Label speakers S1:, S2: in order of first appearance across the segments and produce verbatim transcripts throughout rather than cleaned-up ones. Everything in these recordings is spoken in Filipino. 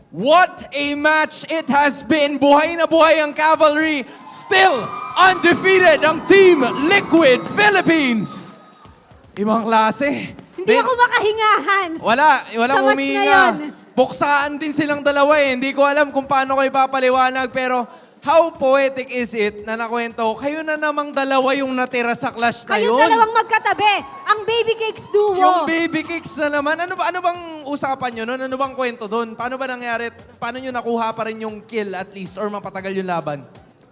S1: What a match it has been! Buhay na buhay ang Cavalry. Still undefeated ang Team Liquid Philippines. Ibang klase.
S2: Hindi
S1: Then-
S2: ako makahinga, Hans.
S1: Wala, walang
S2: Sa match na
S1: humihinga.
S2: yun.
S1: Buksaan din silang dalawa eh. Hindi ko alam kung paano ko ipapaliwanag, pero how poetic is it na nakwento, kayo na namang dalawa yung natira sa clash na
S2: Kayong
S1: yun.
S2: dalawang magkatabi. Ang Baby Cakes duo.
S1: Yung baby cakes na naman. Ano ba ano bang usapan nyo noon? Ano bang kwento doon? Paano ba nangyari? Paano nyo nakuha pa rin yung kill at least or mapatagal yung laban?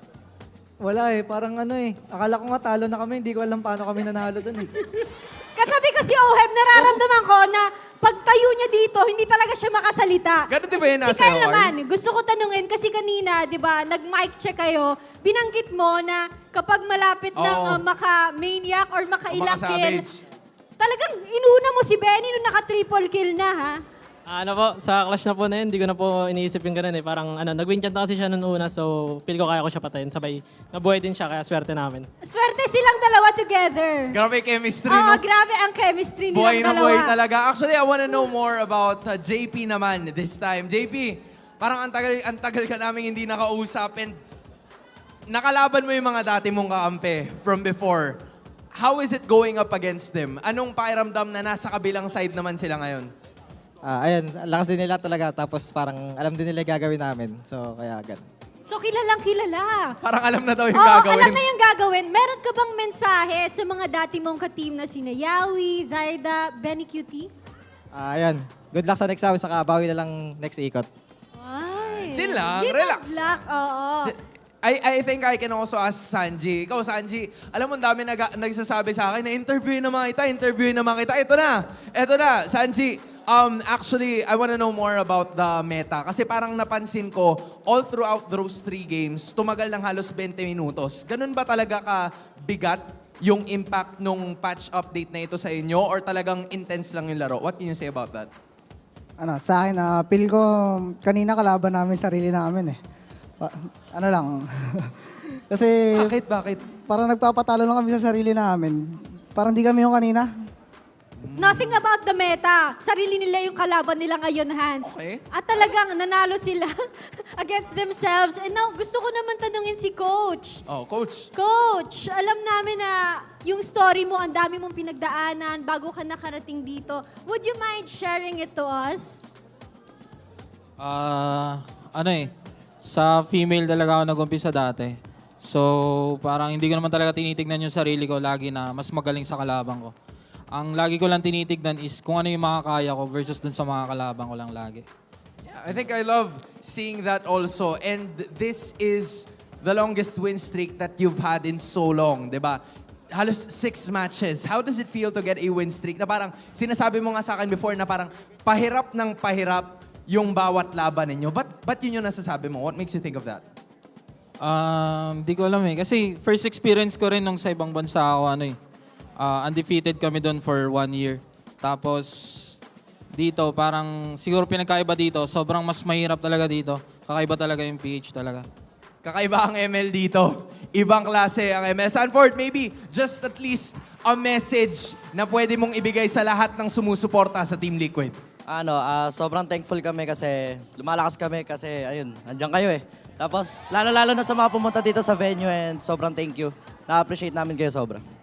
S3: Wala eh, parang ano eh. Akala ko nga talo na kami, hindi ko alam paano kami nanalo dun eh.
S2: Katabi ko si Oheb, nararamdaman ko na pagtayo niya dito, hindi talaga siya makasalita.
S1: Ganun din ba yun,
S2: Si
S1: nasa
S2: Carl
S1: O R?
S2: naman, gusto ko tanungin, kasi kanina, di ba, nag-mic check kayo, binanggit mo na kapag malapit
S1: Oo.
S2: ng uh, maka-maniac or maka-ilang kill,
S1: maka-savage.
S2: talagang inuna mo si Benny nung naka-triple kill na, ha?
S4: Ah, ano po, sa clash na po na yun, hindi ko na po iniisip yung ganun eh. Parang ano, nag-win chant na kasi siya noong una, so feel ko kaya ko siya patayin. Sabay, nabuhay din siya, kaya swerte namin.
S2: Swerte silang dalawa together.
S1: Grabe chemistry,
S2: Oo,
S1: no?
S2: grabe ang chemistry nilang
S1: Buhay na
S2: dalawa.
S1: buhay talaga. Actually, I wanna know more about uh, J P naman this time. J P, parang ang tagal, ang tagal ka namin hindi nakausap and nakalaban mo yung mga dati mong kaampi from before. How is it going up against them? Anong pakiramdam na nasa kabilang side naman sila ngayon?
S3: Ah, ayun, ang lakas din nila talaga. Tapos parang alam din nila yung gagawin namin. So, kaya agad.
S2: So, kilalang kilala.
S1: Parang alam na daw yung
S2: Oo,
S1: gagawin.
S2: alam na yung gagawin. Meron ka bang mensahe sa mga dati mong ka-team na sina Yawi, Zaida, Benny Q T?
S3: Ah, ayun. Good luck sa next round, saka bawi na lang next ikot.
S2: Ay.
S1: Chill lang,
S2: Give
S1: relax.
S2: up luck, oo.
S1: I, I think I can also ask Sanji. Ikaw, Sanji, alam mo, ang dami nag, nagsasabi sa akin na interview na mga kita, interview na mga kita. Ito na, ito na, Sanji. Um, actually, I want to know more about the meta. Kasi parang napansin ko, all throughout those three games, tumagal ng halos twenty minutos. Ganun ba talaga ka bigat yung impact nung patch update na ito sa inyo? Or talagang intense lang yung laro? What can you say about that?
S5: Ano, sa akin, ah, feel ko kanina kalaban namin sarili namin eh. Pa- ano lang. Kasi
S1: Bakit? Bakit?
S5: parang nagpapatalo lang kami sa sarili namin. Parang di kami yung kanina.
S2: Nothing about the meta. Sarili nila yung kalaban nila ngayon, Hans.
S1: Okay.
S2: At talagang nanalo sila against themselves. And now, gusto ko naman tanungin si Coach.
S1: Oh, coach.
S2: Coach, alam namin na yung story mo, ang dami mong pinagdaanan bago ka nakarating dito. Would you mind sharing it to us?
S6: Ah, ano eh, sa female talaga ako nag-umpisa dati. So, parang hindi ko naman talaga tinitignan yung sarili ko lagi na mas magaling sa kalaban ko. Ang lagi ko lang tinitignan is kung ano yung makakaya ko versus dun sa mga kalaban ko lang lagi.
S1: Yeah, I think I love seeing that also. And this is the longest win streak that you've had in so long, di ba? Halos six matches. How does it feel to get a win streak? Na parang, sinasabi mo nga sa akin before na parang pahirap ng pahirap yung bawat laban ninyo. But, but yun yung nasasabi mo? What makes you think of that?
S6: Um, di ko alam eh. Kasi first experience ko rin nung sa ibang bansa ako, ano eh, ah, undefeated kami doon for one year. Tapos, dito, parang siguro pinagkaiba dito, sobrang mas mahirap talaga dito. Kakaiba talaga yung P H talaga.
S1: Kakaiba ang M L dito. Ibang klase ang M L. Sanford, maybe just at least a message na pwede mong ibigay sa lahat ng sumusuporta sa Team Liquid.
S7: Ano, ah, sobrang thankful kami kasi lumalakas kami kasi ayun, nandiyan kayo eh. Tapos lalo-lalo na sa mga pumunta dito sa venue and sobrang thank you. Na-appreciate namin kayo sobra.